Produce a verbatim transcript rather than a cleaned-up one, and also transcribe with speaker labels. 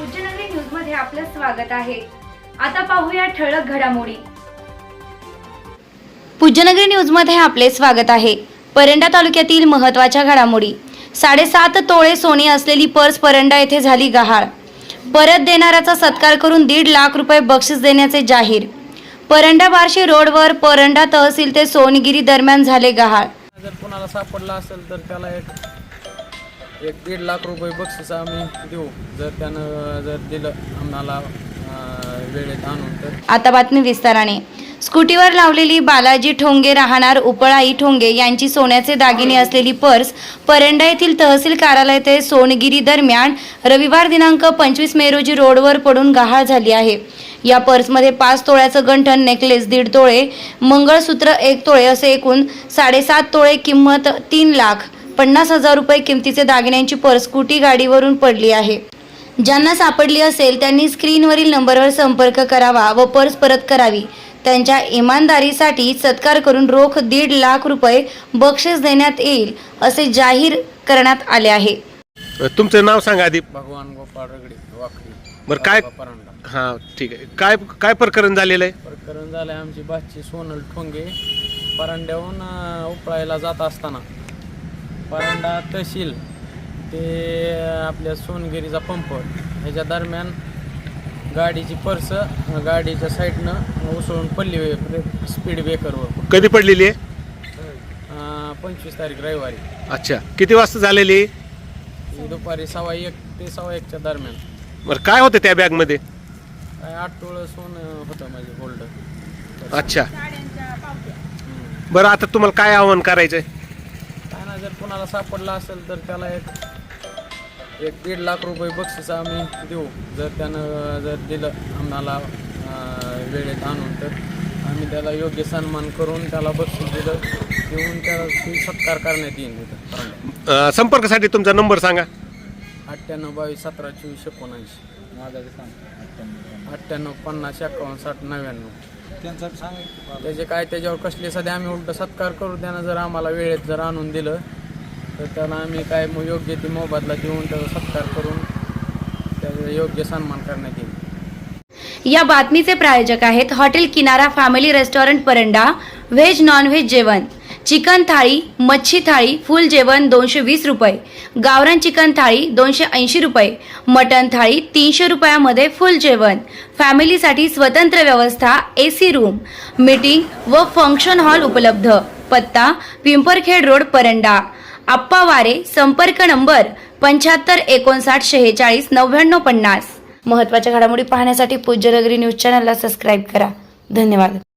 Speaker 1: Pujyanagari news मध्ये आपलं स्वागत आहे। आता पाहूया ठळक घडामोडी। पूज्यनगरी न्यूज मध्ये आपले स्वागत आहे। परंडा तालुक्यातील महत्त्वाच्या घडामोडी। साडेसात तोळे सोने असलेली पर्स परंडा येथे झाली गहाळ। परत देणाऱ्याचा सत्कार करून दीड लाख रुपये बक्षीस देण्याचे जाहीर। परंडा बार्शी रोडवर परंडा तहसील ते सोनगिरी दरम्यान झाले गहाळ।
Speaker 2: जर कोणाला सापडला असेल तर त्याला एक एक दीड लाख रुपये बक्षीस आम्ही देऊ, जर त्यानं जर दिलं आम्हाला वेळेत आणून तर।
Speaker 1: आता बातमी विस्ताराने। स्कूटीवर लावलेली बालाजी ठोंगे राहणार उपळाई ठोंगे यांची सोन्याचे दागिने असलेली पर्स परंडा येथील तहसील कार्यालय ते सोनगिरी दरम्यान रविवार दिनांक पंचवीस मे रोजी रोडवर पडून गहाळ झाली आहे। या पर्समध्ये पाच तोळ्याचं गंठण, नेकलेस दीड तोळे, मंगळसूत्र एक तोळे असे एकूण साडेसात तोळे किंमत तीन लाख पन्नास हजार रुपये किमतीचे दागिन्यांची पर्स स्कूटी गाडीवरून पडली आहे। ज्यांना सापडली असेल त्यांनी स्क्रीनवरील नंबरवर संपर्क करावा व पर्स परत करावी। त्यांच्या इमानदारीसाठी सत्कार करून रोख दीड लाख रुपये बक्षीस देण्यात येईल असे जाहीर करण्यात आले आहे।
Speaker 3: तुमचं नाव सांगा आधी।
Speaker 2: भगवान गोपाळ रगडे वाकडी।
Speaker 3: बरं काय
Speaker 2: परंडा।
Speaker 3: हां ठीक आहे। काय काय प्रकरण झालेलं आहे?
Speaker 2: प्रकरण झालं आहे आमची बाची सोनल ठोंगे परंड्याहून उपळायला जात असताना परंडा तहसील ते आपल्या सोनगिरीचा पंप ह्याच्या दरम्यान गाडीची पर्स गाडीच्या साईडनं उसळून पडली स्पीड ब्रेकरवर।
Speaker 3: कधी पडलेली आहे?
Speaker 2: पंचवीस तारीख रविवारी।
Speaker 3: अच्छा, किती वाजता झालेली?
Speaker 2: दुपारी सव्वा एक ते सव्वा एकच्या दरम्यान।
Speaker 3: बरं काय होतं त्या बॅगमध्ये?
Speaker 2: काय आठ तोळं सोनं होतं माझे गोल्ड।
Speaker 3: अच्छा, बरं आता तुम्हाला काय आव्हान करायचंय?
Speaker 2: काय ना, जर कोणाला सापडला असेल तर त्याला एक एक दीड लाख रुपये बक्षीस आम्ही देऊ, जर त्यानं जर दिलं आम्हाला वेळेत आणून तर आम्ही त्याला योग्य सन्मान करून त्याला बक्षीस दिलं देऊन त्याला सत्कार करण्यात येईल तिथं।
Speaker 3: संपर्कासाठी तुमचा नंबर सांगा।
Speaker 2: अठ्ठ्याण्णव बावीस सतरा चोवीस एकोणऐंशी माझा सांग अठ्ठ्याण्णव पन्नास एकावन्न साठ नव्याण्णव त्यांचं सांग। त्याचे काय त्याच्यावर कसले सध्या आम्ही उलट सत्कार करू, त्यानं जर आम्हाला वेळेत जर आणून दिलं तर त्याला आम्ही काय योग्य ती मोबदला देऊन त्याचा सत्कार करून त्याचा योग्य सन्मान करण्यात येईल।
Speaker 1: या बातमीचे प्रायोजक आहेत hotel Kinara family restaurant Paranda. Veg non veg जेवण, चिकन थाळी, मच्छी थाळी, फुल जेवण दोनशे वीस रुपये, गावरान चिकन थाळी दोनशे ऐंशी रुपये, मटन थाळी तीनशे रुपयामध्ये फुल जेवण। फॅमिलीसाठी स्वतंत्र व्यवस्था, एसी रूम, मीटिंग व फंक्शन हॉल उपलब्ध। पत्ता पिंपरखेड रोड परंडा। आप्पा वारे, संपर्क नंबर पंच्याहत्तर एकोणसाठ शेहेचाळीस नव्याण्णव पन्नास। महत्त्वाच्या घडामोडी पाहण्यासाठी पूज्यनगरी न्यूज चॅनलला सबस्क्राईब करा। धन्यवाद।